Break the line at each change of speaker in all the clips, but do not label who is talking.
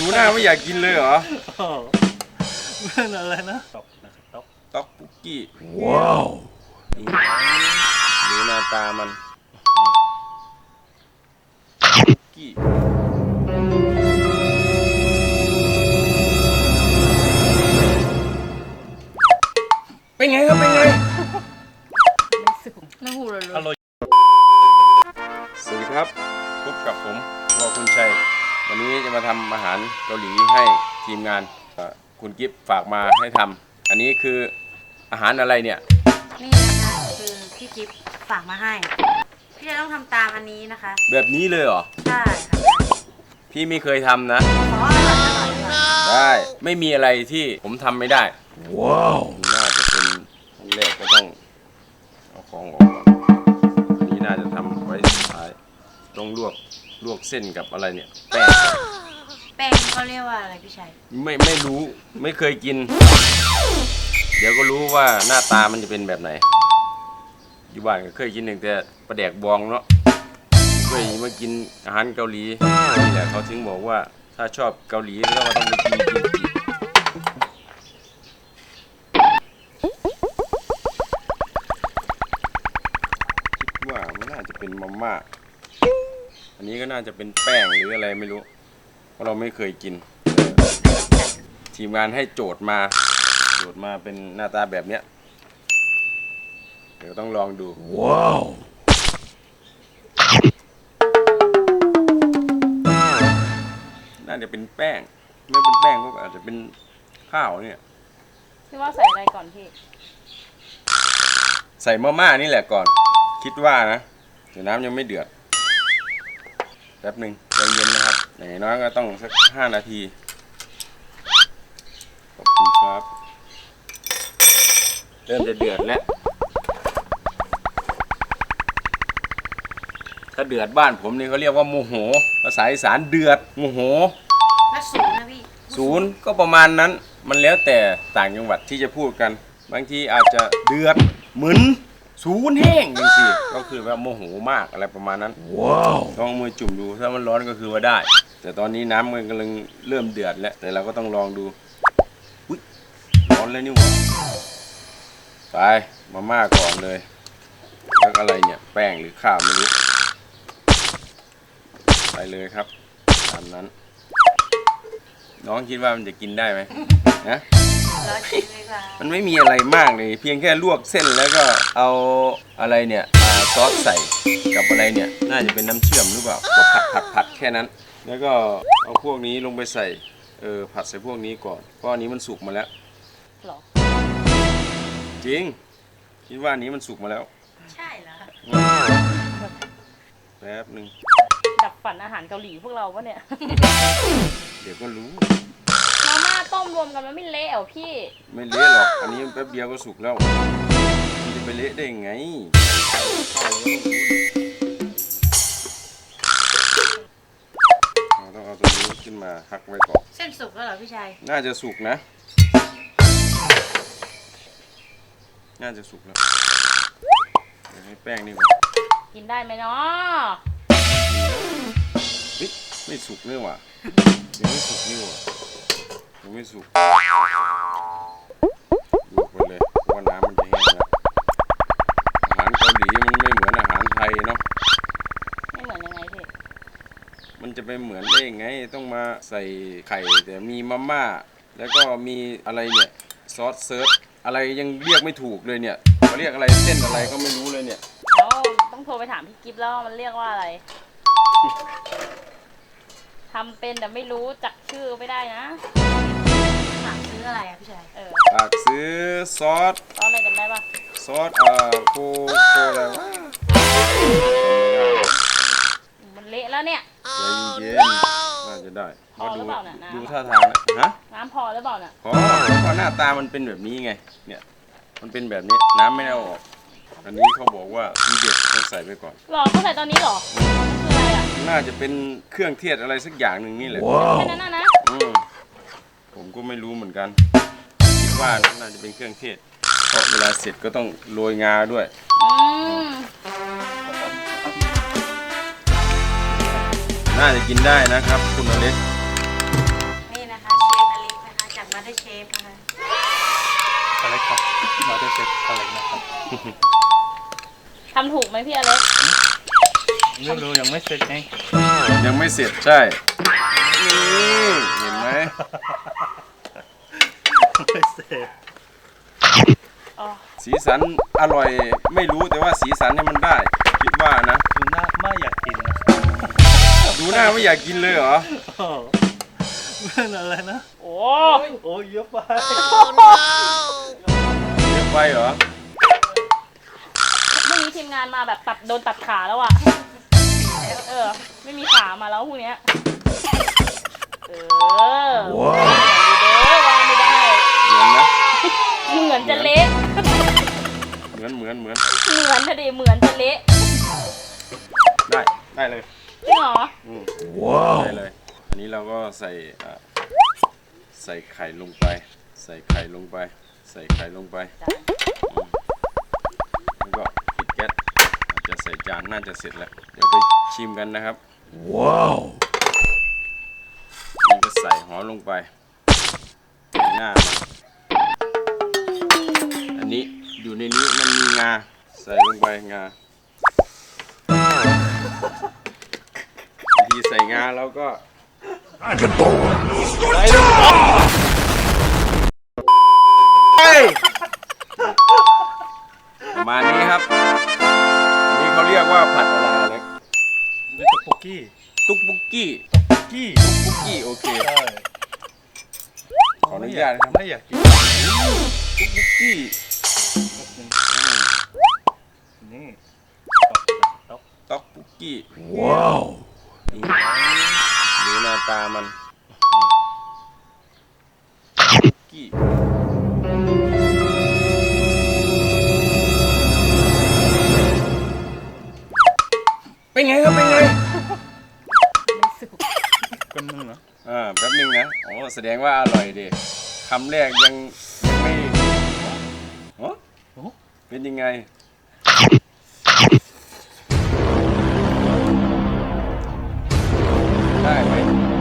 หน้าไม่อยากกินเลยเหรอ
มันอะไรนะต๊อกนะครับ
ต๊อกปุกกี้ว้าวดูหน้าตามันปุกกี้เป็นไงครับเป็นไง
น้ำหูเลย
อร่อย
สวัสดีครับพบกับผมวอคุณชัยวันนี้จะมาทำอาหารเกาหลีให้ทีมงานคุณกิฟต์ฝากมาให้ทำอันนี้คืออาหารอะไรเนี่ย
นี่นะคะคือพี่กิฟต์ฝากมาให้พี่จะต้องทำตามอันนี้นะคะ
แบบนี้เลยเหรอ
ใช่ค่ะ
พี่ไม่เคยทำนะ
ขออร่อย
ได้ไม่มีอะไรที่ผมทำไม่ได้ว้าวน่าจะเป็นขั้นแรกก็ต้องเอาของออกก่อนอันนี้น่าจะทำไว้สุดท้ายต้องลวกเส้นกับอะไรเนี่ย
แป้งเขาเรียกว่าอะไรพี่ชัย
ไม่รู้ไม่เคยกินเดี๋ยวก็รู้ว่าหน้าตามันจะเป็นแบบไหนอยู่บ้านก็เคยกินหนึ่งแต่ปลาแดกบองเนาะเคยมากินอาหารเกาหลีนี่แหละเขาถึงบอกว่าถ้าชอบเกาหลีแล้วก็ต้องไปกินคิดว่ามันน่าจะเป็นมาม่าอันนี้ก็น่าจะเป็นแป้งหรืออะไรไม่รู้เพราะเราไม่เคยกินทีมงานให้โจทย์มาเป็นหน้าตาแบบเนี้ยเดี๋ยวต้องลองดูว้าวน่าจะเป็นแป้งไม่เป็นแป้งก็อาจจะเป็นข้าวเนี่ย
พี่ว่าใส่อะไรก่อนพี่
ใส่มาม่านี่แหละก่อนคิดว่านะเดี๋ยวน้ำยังไม่เดือดแป๊บหนึ่งใจเย็นนะครับอย่างน้อยก็ต้องสัก5 นาทีขอบคุณครับเริ่มจะเดือดแล้วถ้าเดือดบ้านผมนี่เขาเรียกว่าโมโหภาษาอีสานเดือดโมโห
แล้วศูนย์นะพี่
ศูนย์ก็ประมาณนั้นมันแล้วแต่ต่างจังหวัดที่จะพูดกันบางทีอาจจะเดือดเหมือนศูนย์แห้งจริงๆก็คือแบบโมโหมากอะไรประมาณนั้นว้าวลองมือจุ่มดูถ้ามันร้อนก็คือว่าได้แต่ตอนนี้น้ำมันกำลังเริ่มเดือดแล้วแต่เราก็ต้องลองดูอุ๊ยร้อนแล้วนี่หว่าไปมาม่าก่อนเลยแล้วอะไรเนี่ยแป้งหรือข้าวไม่รู้ไปเลยครับตามนั้นน้องคิดว่ามันจะกินได้ไหมนะมันไม่มีอะไรมากเลยเพียงแค่ลวกเส้นแล้วก็เอาอะไรเนี่ยซอสใส่กับอะไรเนี่ยน่าจะเป็นน้ำเชื่อมหรือเปล่าก็ผัดแค่นั้นแล้วก็เอาพวกนี้ลงไปใส่ผัดใส่พวกนี้ก่อนเพราะอันนี้มันสุกมาแล้ว
หรอ
จริงคิดว่าอันนี้มันสุกมาแล้ว
ใช่เหรอ
แป๊บหนึ่ง
ดับฝันอาหารเกาหลีพวกเราปะเนี่ย
เดี๋ยวก็รู้
มาม่าต้มรวมกันมันไม่เละเหรอพี่
ไม่เละหรอกอันนี้แป๊บเดียวก็สุกแล้วมันจะไปเละได้ยังไงเราต้องเอาตัวนี้ขึ้นมาพักไว้ก่อน
เส้นสุกแล้วเหรอพี่ชัย
น่าจะสุกนะน่าจะสุกแล้วเดี๋ยวให้แป้งนี่ก่อน
กินได้ไหมเนาะ
ไม่สุกเนี่ยว่ะยังไม่สุกนี่ว่ะยังไม่สุกลวกไปเลยเพราะว่าน้ำมันจะแห้งแล้วอาหารเกาหลีมันไม่เหมือนอาหารไทยเนาะ
ไม่เหมือนยังไงพี่
มันจะไปเหมือนได้ยังไงต้องมาใส่ไข่แต่มีมาม่าแล้วก็มีอะไรเนี่ยซอสเซิร์ฟอะไรยังเรียกไม่ถูกเลยเนี่ยเขาเรียกอะไรเส้นอะไรก็ไม่รู้เลยเนี่ย
ต้องโทรไปถามพี่กิฟต์แล้วมันเรียกว่าอะไรทำเป็นแต่ไม่รู้จักชื่อไม่ได้นะฝากซื้ออะไรอะพี่ชัย
ฝากซื้อซอส
อะไรจำได้ปะ
ซอสโคอะไรวะ
มันเละแล้วเนี่ย
ใจเย็นน่าจะได้
พอหรือเปล่าน่ะ
ดูท่าทางนะ
น้ำพอหรือเปล่าน่ะ
พอเพราะหน้าตามันเป็นแบบนี้ไงเนี่ยมันเป็นแบบนี้น้ำไม่ได้ออกอันนี้เขาบอกว่าทีเด็ดต้องใส่ไปก่อน
หรอเขาใส่ตอนนี้หรอคืออะไรอ่ะ
น่าจะเป็นเครื่องเทศอะไรสักอย่างหนึ่งนี่แหละ
แค่นั้นนะ
ผมก็ไม่รู้เหมือนกันคิดว่าน่าจะเป็นเครื่องเทศเพราะเวลาเสร็จก็ต้องโรยงาด้วยน่าจะกินได้นะครับคุณอเล็ก
ได้เชฟนะคะ
อะไรครับมาได้เสร็จอะไรนะครับ
ทำถูกไหมพี่อเล็ก
ไม่รู้ยังไม่เสร็จไง
ยังไม่เสร็จใช่นี่เห็นไหม
ไม่เสร็จ
อ๋อ
สีสันอร่อยไม่รู้แต่ว่าสีสันเนี่ยมันได้คิดว่านะ
ดูหน้าไม่อยากกินนะ
ดูหน้าไม่อยากกินเลยเหรอ
โอ้เป็นอะไรนะ
โอ้
โอ้ยเยอะไป
เยอะไปเหรอ
พรุ่งนี้ทีมงานมาแบบโดนตัดขาแล้วอ่ะ ไม่มีขามาแล้วพรุ่งเนี้ยว้าววางไม่ได้
เหมือนนะ
เหมือนจะเละ
เหมือน
เหมือนทะเลเหมือนจะเละ
ได้เลย
จริงเหรอ
ว้าวได้เลย อันนี้เราก็ใส่ไข่ลงไป ใส่ไข่ลงไปแล้วก็ปิดแก๊สอาจจะใส่จานน่าจะเสร็จแล้วเดี๋ยวไปชิมกันนะครับว้าวนี่ก็ใส่หอมลงไปหน้ามันอันนี้อยู่ในนี้มันมีงาใส่ลงไปงาวิธีใส่งาแล้วก็ใส่ลงไปประมาณนี้ครับอันนี้เขาเรียกว่าผัดอะไรเล็ก
นี่ตะปุกกี้
ตุ๊กบุกกี้
กี้
บุกกี้โอเค
ใช่
ขออนุญาตนะครับ
ไม่อยากกิน
ตุ๊กบุกกี้
นี่ต๊อก
ต๊อกบุกกี้ว้าวดูหน้าตามันบุกกี้เป็นไงครับเป็นไง
กันนึงนะ
แป๊บนึงนะโอ้แสดงว่าอร่อยดิคำแรกยังไม่โอ้เป็นยังไงได้ไหม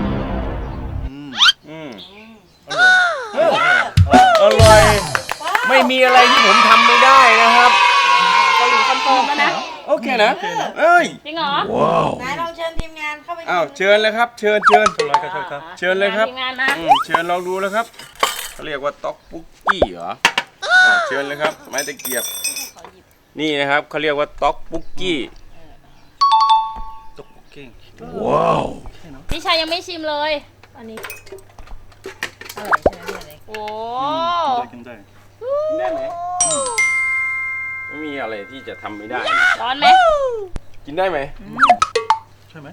อร่อย ไม่มีอะไรที่ผมทำไม่ได้นะครับ
เกาหลีคอนเฟิร์มแล้วนะ
โอเคนะเอ้ย
จริงเหรอ
ไหนลองเชิญทีมงานเข้าไป
อ้าวเชิญเลยครับเชิญ
อะไรก็ใช่ครับ
เชิญเลยครับ
ทีมงานมา
เชิญลองดูแล้วครับเขาเรียกว่าต๊อกปุกกี้เหรอเชิญเลยครับไม้ตะเกียบนี่นะครับเขาเรียกว่าต๊อกปุกกี้
ตะปุกกี้
ว้าว
พี่ชายยังไม่ชิมเลย
อันนี้อร่อยใช่ไหมพี่อเล็ก
โอ้
กินได้
กินได้ไหมไม่มีอะไรที่จะทำไม่ได้
ร้อนไหม
กินได้ไหม
ใช่ไหม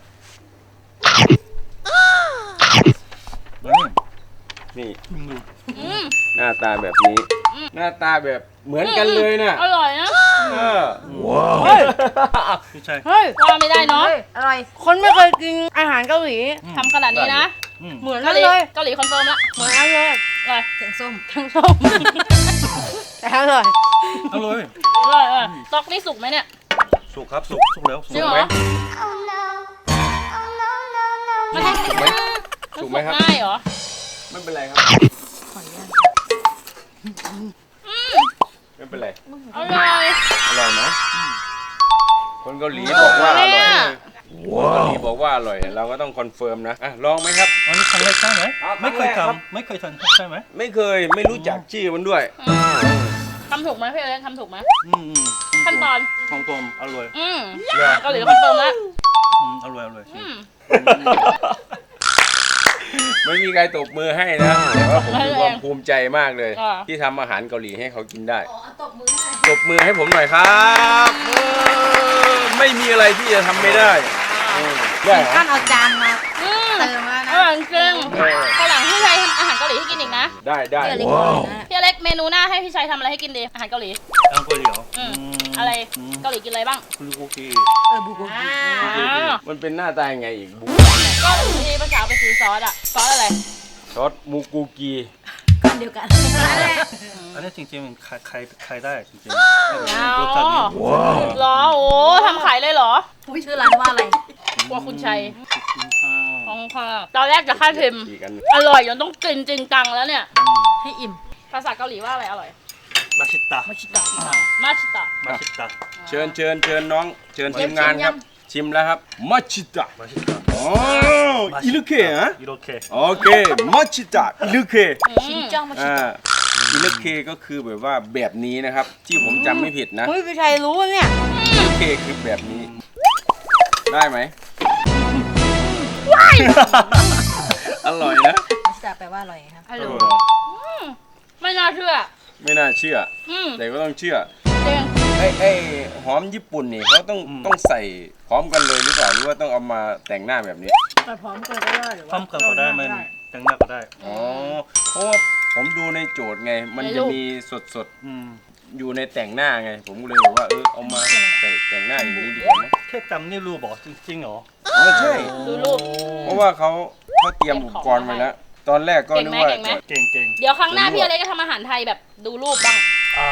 นี่
อืม
หน้าตาแบบนี้ หน้าตาแบบเหมือนกันเลยนะ
อร่อยนะ
ว้าว
พี่ชาย
เฮ้ย
ว่าไม่ได้เนาะ
อร่อย คนไม่เคยกินอาหารเกาหลี
ทำขนาดนี้นะ
เหมือน
เกา
กัน
หลี
เลย
เกาหลีคอนเฟิร์มละ
เหมือนกันเลย
อร่อย
แกงส้มทั้งส้มแต่อร่อย
อร่อย
อร่อยต๊อกนี่สุกไหมเนี่ย
สุกครับสุกแล้วสุ
จริ
ก
งเหร
ไหม
อมัน
สุกไหมสุกไหมครับ
ง่ายเหรอ
ไม่เป็นไรครับ ไม่เป็นไร
อร่อย
อร่อยไหมคนเกาหลีบอกว่าอร่อย
เนี่ย
คนเกาหลีบอกว่าอร่อย เราก็ต้องคอนเฟิร์มนะลองไหมครับ
อันนี้ครั้งแรกใช่ไหม
ครับ
ไม่เคย
ครั้งแรกครับ
ทำไม่เคยทำใช่ไหม
ไม่เคยไม่รู้จักชื่อมันด้วย
ทำถูกไหมพี่เล็กทำถูกไหม
อืม
ขั้นตอน
ของผมอร่อย
เกาหลีคอนเฟิร์มแล้ว
อร่อยอร่อย
ไม่มีใครตบมือให้นะ แต่ว่าผมมีความภูมิใจมากเลย ที่ทำอาหารเกาหลีให้เขากินได้
ตบมือให้
ตบมือให้ผมหน่อยครับไม่มีอะไรที่จะทำไม่ได้ได้เหรอ
ขั้นเอาจานมา
อืม
เติมแล้ว
อ
นะ
ร่อยจริงข้าวหลังพี่ชัยทำอาหารเกาหลีให้กินอีกนะ
ได้ได้
พี่อเล็ก
ว้าว
นะ
พี่เล็กเมนูหน้าให้พี่ชัยทำอะไรให้กินดีอาหารเกาหลี
อังกฤษเหรอ
อะไรเกาหลีกินอะไรบ้าง
บุโกกี
บุก
อ่า
มันเป็นหน้าตายังไงอีกบุ๊
ก็มีภาษาไปซื้อซอสอะซอสอะไร
ซอสมูกูกี
กันเดียวกัน
อันนี้จริงๆมันขายได้จริง
อ๋อ
ๆรสชาตินี้
เหรอโอ้ทำขายเลยเหรอ
ชื่อร้านว่าอะไร
ครัวคุณชัย
กินข้าว
ของค่ะตอนแรกจะค่าเค็ม
อีกอัน
อร่อยจนต้องกินจริงจังแล้วเนี่ย
ให้อิ่ม
ภาษาเกาหลีว่าอะไรอร่อย
มาชิตะ
มาชิตะ
มาชิตะ
มาชิตะ
เชิญน้องเชิญทีมงานครับ ชิมแล้วครับมัชิตะ
มาชิตะ
อ๋ออิลุเคฮะ
อิโรเค
โอเคมัชิตะอิลุเค
ชินจังมาชิ
อ่า
ตะ
อิลุเคก็คือแบบว่าแบบนี้นะครับ ที่ผมจำไม่ผิดนะ
เฮ้ยพี่ชัยรู้เนี่ย
อิลุเคคือแบบนี้ ได้ไหมอร่อยนะ
มาชิตะแปลว่าอร่อยครับ
ฮัลโหลไม่น่าเชื่อ
ไม่น่าเชื่อ
อืม
แต่ก็ต้องเชื่อ
เด้ง
ไอ้หอมญี่ปุ่นนี่เขาต้องใส่พร้อมกันเลยหรือเปล่าหรือว่าต้องเอามาแต่งหน้าแบบนี้
แต่พร้อมกันก็ได้หรือ
พร้อมกันก็ได้มันแต่งหน้าก็ได้
อ๋อเพราะว่าผมดูในโจทย์ไง มันจะมีสด
อืม
ๆอยู่ในแต่งหน้าไง ผมก็เลยบอกว่าเอามาใส่แต่งหน้าอย่างนี้ดีกว่าไหม
แค่จำนี่รู้บอกจริงๆเหรอ
อ๋อใช่
ดูรูป
เพราะว่าเขาเตรียมอุปกรณ์ไว้แล้ว ตอนแรกก็นึกว่า
เก่งไหม
เก่ง
เดี๋ยวครั้งหน้าพี่อเล็กจะทำอาหารไทยแบบดูรูปบ้าง
อ่า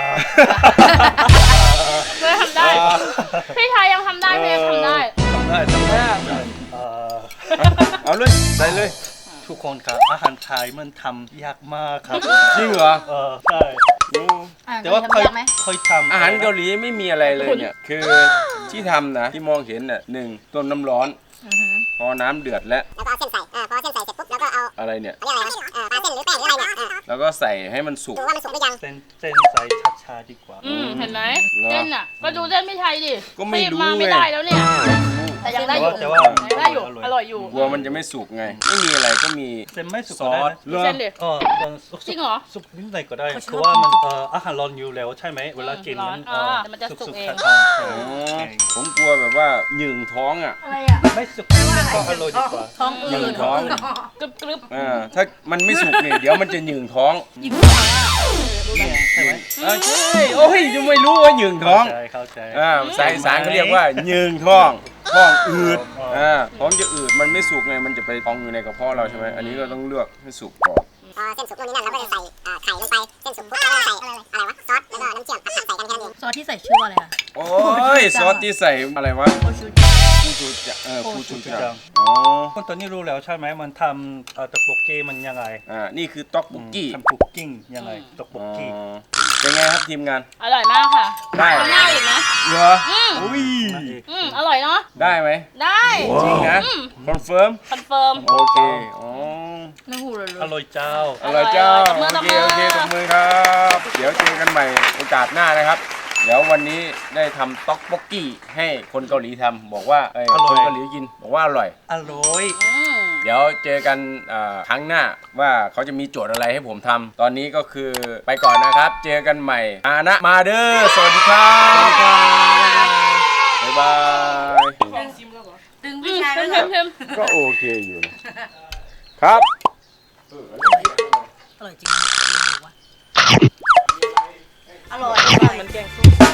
เพื่อทำได้ พี่ชายยังทำได้พี่ยังทำได้
ทำได้
เอาเลยใส่เลย
ทุกคนครับอาหารไทยมันทำยากมากครับ
จริงเหรอ
ใช่
โอ้
แต่ว่าเคย
ทำยากไหม
เคยทำ
อาหารเกาหลีไม่มีอะไรเลยเนี่ย คือที่ทำนะที่มองเห็นน่ะหนึ่งต้มน้ำร้อน พอน้ำเดือดแล้ว
แล้วก็เอาเส้นใส่พอเส้นใส่เสร็จปุ๊บแล้วก็เอา
อะไรเนี่ย
เขาเรียกอะไรวะปลาเส้นหรือแป้งหรืออะไรเนี่ย
แล้วก็ใส่ให้มันสุก
ดูว่ามันสุกหรือยัง
เส้นใส่ช้าๆดีกว่า
เห็นไหม
เหรอ
เส้นอ่ะ ก็ดูเส้นพี่ชัยดิ
ก็ไม่รู้
รีบมาไม่ได้แล้วเนี่ย แต่ยังได้อยู่
แต่ว่า
ยังได้อยู่ อร่อยอยู่
กลัวมันจะไม่สุกไง ไม่มีอะไรก็มี
เส้นไม่สุก
ซ
ก็
อ
ได้
ส
นะ
เหรอ
เส้นดิ
สุก
จริงเหรอ
สุกนิดหน่อยก็ได้
เขาชอบ
คือว่ามันอาหารร้อนอยู่แล้วใช่ไหมเวลากินมัน
ร้อนแต่มันจะสุกเอง
ใช่
อ๋อผมกลัวแบบว่าหยึงท้องอ่ะ
อะไรอ่ะ
ไม่สุกมันก็อร่อยดีกว่า
ท้อง
หยึ
อื
ง
ด
ท้อง
กรึบ
ถ้ามันไม่สุกเนี่ยเดี๋ยวมันจะหยึงท้อง
ยิงหัวอ่ะ
ใช่ไหม
ใช่โอ้ยยังไม่รู้ว่าหยึงท้อง
เข้าใจ
สายอีสารเขาเรียกว่าหยึงท้องอืดท้องจะอืดมันไม่สุกไงมันจะไปพองอยู่ในกระเพาะเราใช่ไหมอันนี้ก็ต้องเลือกให้สุกก่อน
พอเส้นสุกนู่นนี่นั่นเราก็จะใส่ไข่ลงไป เส้นสุกปุ๊บเราก็ใส่อะไรวะ ซอส แล้วก็น้ำเชื่อมผัดใส่กันแค่นั้นเอง
ซอสที่ใส่ชื่อว่าอะไรอ่ะ
โอ้ยซอสที่ใส่อะไรวะ
โคชูจัง
คูชูจังคูชูจัง
คนตอนนี้รู้แล้วใช่ไหมมันทำตะโกเกมันยังไง
นี่คือต๊อกบุกกี้
ทำคุกกิ้งยังไงตะโกเก
เป็นไงครับทีมงาน
ๆอร่อยมากค่ะ
ได้
ทำหน้าอีกนะ
เหรอ
อืม
อุ้ย
อร่อยเนาะ
ได้ไหม
ได้
จริงนะคอนเฟิร์ม
คอนเฟิร์ม
โอเคอ๋อ
น้ำหูเลย
อร่อยเจ้า
อร่อยเจ้า
ตบมือ
โอเคโอเคตบมือครับ เดี๋ยวเจอกันใหม่โอกาสหน้านะครับ เดี๋ยววันนี้ได้ทำต๊อกบกกี้ให้คนเกาหลีทำบอกว่าคนเกาหลีกินบอกว่าอร่อย
อร่อย
เดี๋ยวเจอกันครั้งหน้าว่าเขาจะมีโจทย์อะไรให้ผมทำตอนนี้ก็คือไปก่อนนะครับ เจอกันใหม่มาเด้อสวัสดีครับบ๊ายบาย
ดึงพี่ชัย
เพิ่
ไว้
ม
เล
เพิ่
ย
ม
ก็โอเคอยู่นะครับ
อร่อยจริงอร่อยเหมือนแกงส้ม